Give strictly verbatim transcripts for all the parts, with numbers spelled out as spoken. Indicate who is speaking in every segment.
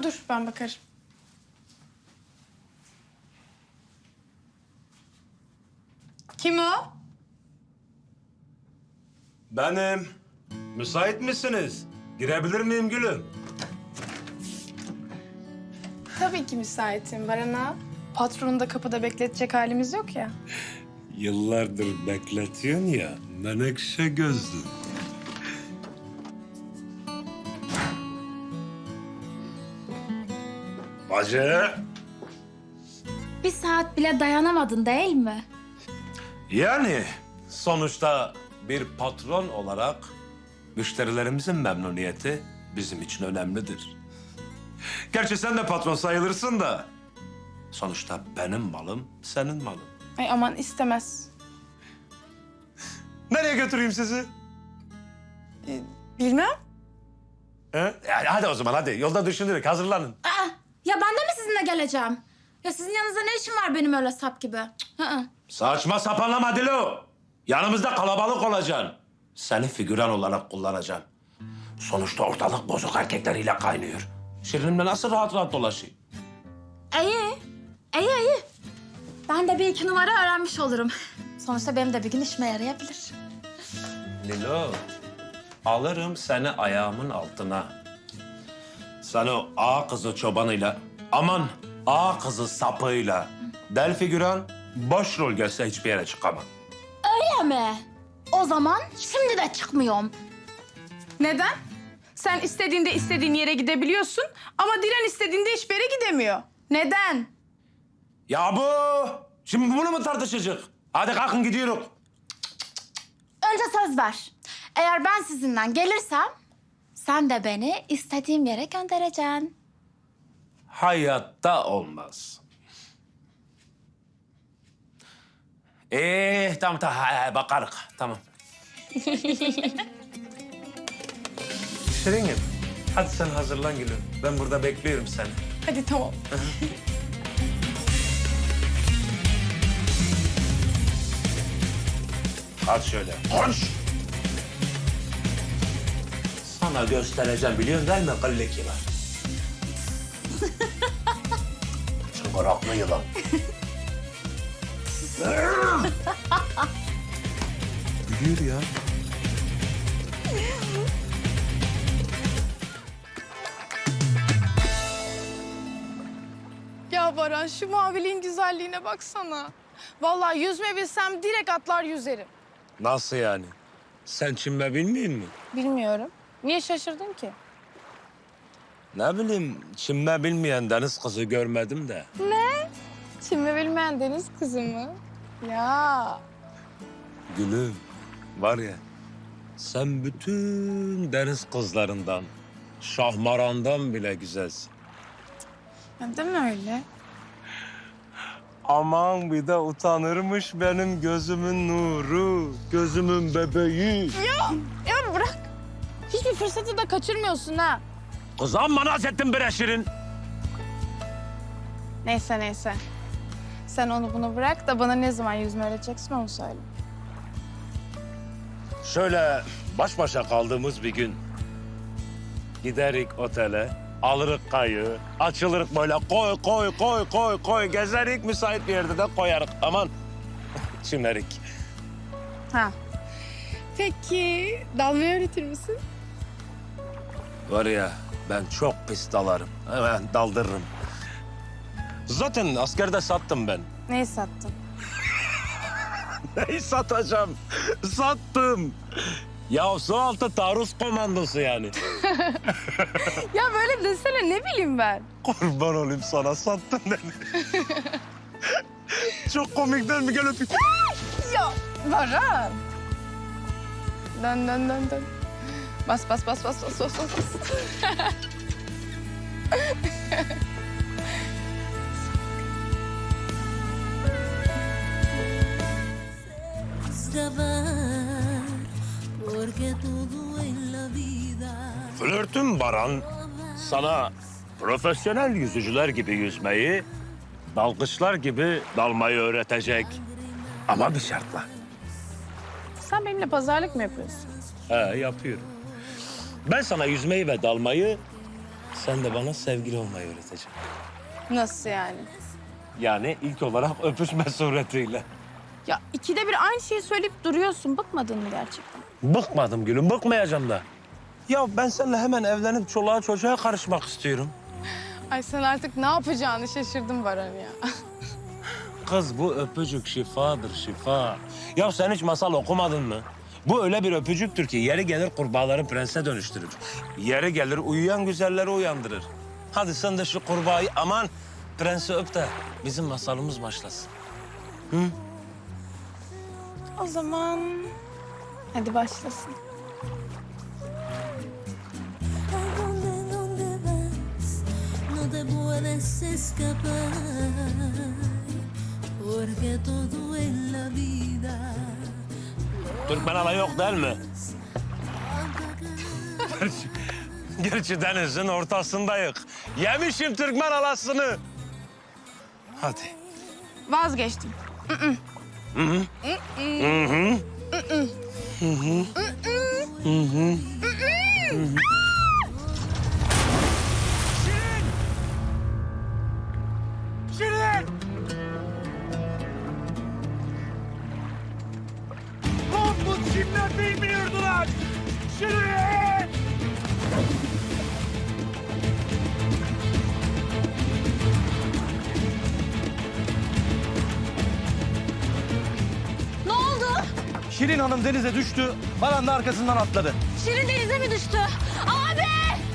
Speaker 1: dur ben bakarım. Kim o?
Speaker 2: Benim. Müsait misiniz? Girebilir miyim gülüm?
Speaker 1: Tabii ki müsaitim Barana. Patronu da kapıda bekletecek halimiz yok ya.
Speaker 2: Yıllardır bekletiyorsun ya, menekşe gözlü. Bacı.
Speaker 3: Bir saat bile dayanamadın değil mi?
Speaker 2: Yani sonuçta bir patron olarak müşterilerimizin memnuniyeti bizim için önemlidir. Gerçi sen de patron sayılırsın da sonuçta benim malım senin malın.
Speaker 1: Ay aman istemez.
Speaker 2: Nereye götüreyim sizi?
Speaker 1: Bilmem.
Speaker 2: He? Yani hadi o zaman hadi yolda düşünürük hazırlanın.
Speaker 3: Aa, ya ben de mi sizinle geleceğim? Ya sizin yanınızda ne işim var benim öyle sap gibi? Cık, hı hı.
Speaker 2: Saçma sapanlama Dilo. Yanımızda kalabalık olacaksın. Seni figüran olarak kullanacağım. Sonuçta ortalık bozuk erkekleriyle kaynıyor. Şirinimle nasıl rahat rahat dolaşayım?
Speaker 3: İyi, iyi, iyi. Ben de bir iki numara öğrenmiş olurum. Sonuçta benim de bir gün işime yarayabilir.
Speaker 2: Lilo, alırım seni ayağımın altına. Sen o ağa kızı çobanıyla, aman ağa kızı sapığıyla del figüran, boş rol gelse hiçbir yere çıkamam.
Speaker 3: Öyle mi? O zaman şimdi de çıkmıyorum.
Speaker 1: Neden? Sen istediğinde istediğin yere gidebiliyorsun ama Dilan istediğinde hiçbir yere gidemiyor. Neden?
Speaker 2: Ya bu, şimdi bunu mu tartışacak? Hadi kalkın gidiyoruz.
Speaker 3: Önce söz ver. Eğer ben sizinle gelirsem sen de beni istediğim yere göndereceksin.
Speaker 2: Hayatta olmaz. Ee, tamam tamam ha, bakarız. Tamam. Şirinim, hadi sen hazırlan gülüm. Ben burada bekliyorum seni.
Speaker 1: Hadi tamam.
Speaker 2: Hadi şöyle. Koş! Sana göstereceğim biliyorsun değil mi kıllık yılan? Çıngıraklı yılan. Gülüyor ya.
Speaker 1: Ya Baran şu maviliğin güzelliğine baksana. Vallahi yüzme bilsem direkt atlar yüzerim.
Speaker 2: Nasıl yani? Sen çimme bilmiyor musun?
Speaker 1: Bilmiyorum. Niye şaşırdın ki?
Speaker 2: Ne bileyim, çimme bilmeyen deniz kızı görmedim de.
Speaker 1: Çinme bilmeyen deniz kızı mı? Ya.
Speaker 2: Gülüm, var ya, sen bütün deniz kızlarından, şahmarandan bile güzelsin.
Speaker 1: Ya değil mi öyle?
Speaker 2: Aman bir de utanırmış benim gözümün nuru, gözümün bebeği.
Speaker 1: Ya bırak. Hiçbir fırsatı da kaçırmıyorsun ha.
Speaker 2: Kız amma naz ettin bre Şirin.
Speaker 1: Neyse neyse. Sen onu bunu bırak da bana ne zaman yüzme öğreteceksin onu söyle.
Speaker 2: Şöyle baş başa kaldığımız bir gün giderik otele, alırık kayığı, açılırık böyle koy koy koy koy koy gezerik müsait bir yerde de koyarık. Aman çimlerik.
Speaker 1: Ha. Peki dalmayı öğretir misin?
Speaker 2: Var ya ben çok pis dalarım. Hemen daldırırım. Zaten askerde sattım ben.
Speaker 1: Neyi sattın?
Speaker 2: Neyi satacağım? Sattım. Ya su altı taarruz komandosu yani.
Speaker 1: Ya böyle desene ne bileyim ben.
Speaker 2: Kurban olayım sana sattın beni. Çok komik değil mi? Gel öpeyim.
Speaker 1: Ya Baran. Dön dön dön dön. Bas bas bas bas bas bas bas.
Speaker 4: Saber, porque todo en la vida
Speaker 2: Flörtüm Baran sana profesyonel yüzücüler gibi yüzmeyi, dalgıçlar gibi dalmayı öğretecek. Ama bir şartla.
Speaker 1: Sen benimle pazarlık mı yapıyorsun?
Speaker 2: He yapıyorum. Ben sana yüzmeyi ve dalmayı sen de bana sevgili olmayı öğreteceksin.
Speaker 1: Nasıl yani?
Speaker 2: Yani ilk olarak öpüşme suretiyle.
Speaker 1: Ya ikide bir aynı şeyi söyleyip duruyorsun. Bıkmadın mı gerçekten?
Speaker 2: Bıkmadım gülüm, bıkmayacağım da. Ya ben seninle hemen evlenip çoluğa çocuğa karışmak istiyorum.
Speaker 1: Ay sen artık ne yapacağını şaşırdın Baran ya.
Speaker 2: Kız bu öpücük şifadır, şifa. Ya sen hiç masal okumadın mı? Bu öyle bir öpücüktür ki yeri gelir kurbağaları prense dönüştürür. Yeri gelir uyuyan güzelleri uyandırır. Hadi sen de şu kurbağayı aman prensi öp de bizim masalımız başlasın.
Speaker 1: O zaman hadi başlasın.
Speaker 4: ¿A dónde, dónde vas? No te puedes escapar, porque todo en la vida
Speaker 2: Türkmen hala yok değil mi? Gerçi, gerçi denizin ortasındayız. Yemişim Türkmen halasını. Hadi.
Speaker 1: Vazgeçtim.
Speaker 2: Şirin! Mahmut Şirinler bilmiyordular. Şirin!
Speaker 3: Ne oldu?
Speaker 5: Şirin Hanım denize düştü. Baran da arkasından atladı.
Speaker 3: Şirin denize mi düştü? Abi!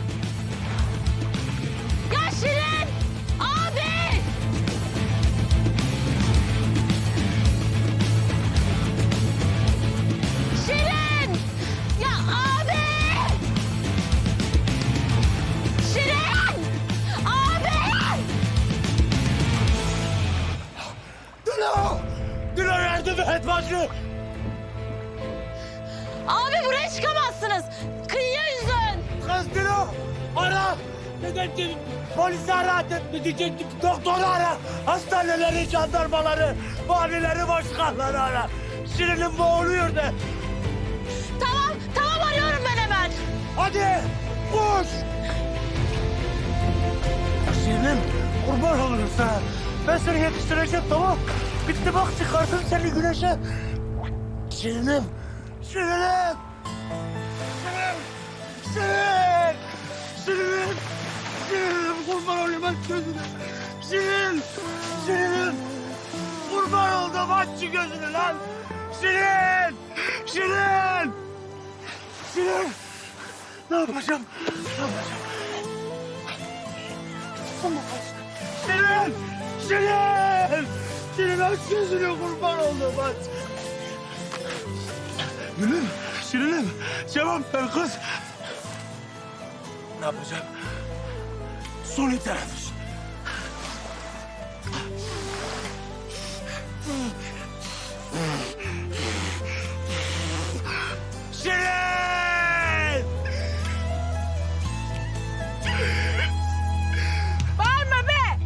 Speaker 3: Ya Şirin! Abi! Şirin! Ya abi! Şirin! Abi!
Speaker 2: Dilo! Dilo yardım et bacı!
Speaker 3: Abi buraya çıkamazsınız. Kıyıya yüzün.
Speaker 2: Kız Dilo! Ara! Dedektif! Polisi ara! Dedektif! Doktoru ara! Hastaneleri, jandarmaları, valileri, başkanları ara! Şirin'in boğuluyor de!
Speaker 3: Tamam, tamam arıyorum ben hemen.
Speaker 2: Hadi! Koş! Şirinim, kurban olurum sana. Ben seni yetiştireceğim, tamam? Bitti bak, çıkardım seni güneşe. Şirinim, Şirinim! Şirinim! Şirin! Şirinim! Şirinim, kurban olayım aç gözünü. Şirin! Şirinim! Kurban oldum, aç şu gözünü lan! Şirin! Şirin! Şirin! Ne yapacağım? Ne yapacağım? Şirin! Şirin! Şirin aç gözünü kurban oldum aç. Gülüm, Şirinim cevap ver kız. Ne yapacağım? Suni teneffüs. Şirin!
Speaker 1: Bağırma be!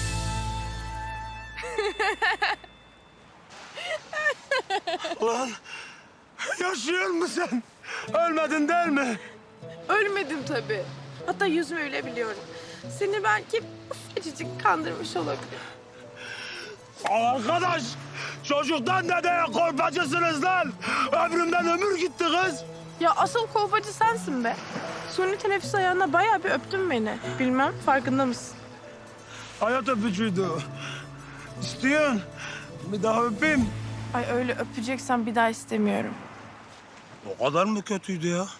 Speaker 2: Ulan yaşıyor musun sen? Ölmedin değil mi?
Speaker 1: Ölmedim tabii. Hatta yüzümü öyle biliyorum. Seni belki ufacıcık kandırmış olabilir.
Speaker 2: Arkadaş, çocuktan dedeye korpacısınız lan. Ömrümden ömür gitti kız.
Speaker 1: Ya asıl kolpacı sensin be. Suni teneffüs ayağına bayağı bir öptün beni. Bilmem farkında mısın?
Speaker 2: Hayat öpücüydü o. İstiyorsun. Bir daha öpeyim.
Speaker 1: Ay öyle öpeceksen bir daha istemiyorum.
Speaker 2: O kadar mı kötüydü ya?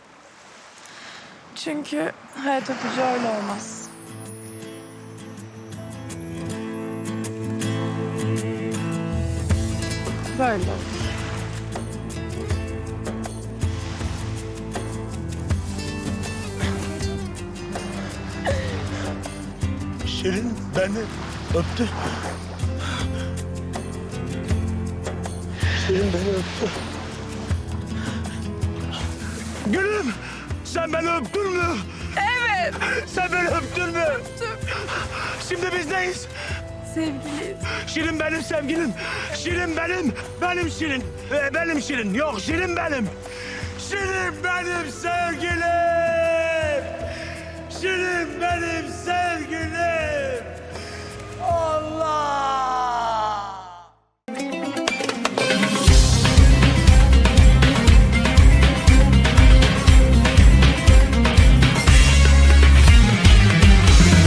Speaker 1: Çünkü hayat öpücüğü öyle olmaz. Böyle olur.
Speaker 2: Şirin beni öptü. Şirin beni öptü. Gülüm, sen beni öptün mü?
Speaker 1: Evet.
Speaker 2: Sen beni öptün mü?
Speaker 1: Öptüm.
Speaker 2: Şimdi biz neyiz?
Speaker 1: Sevgiliyiz.
Speaker 2: Şirin benim sevgilim. Şirin benim. Benim Şirin. Ee, benim Şirin. Yok Şirin benim. Şirin benim sevgilim. Şirin benim sevgilim.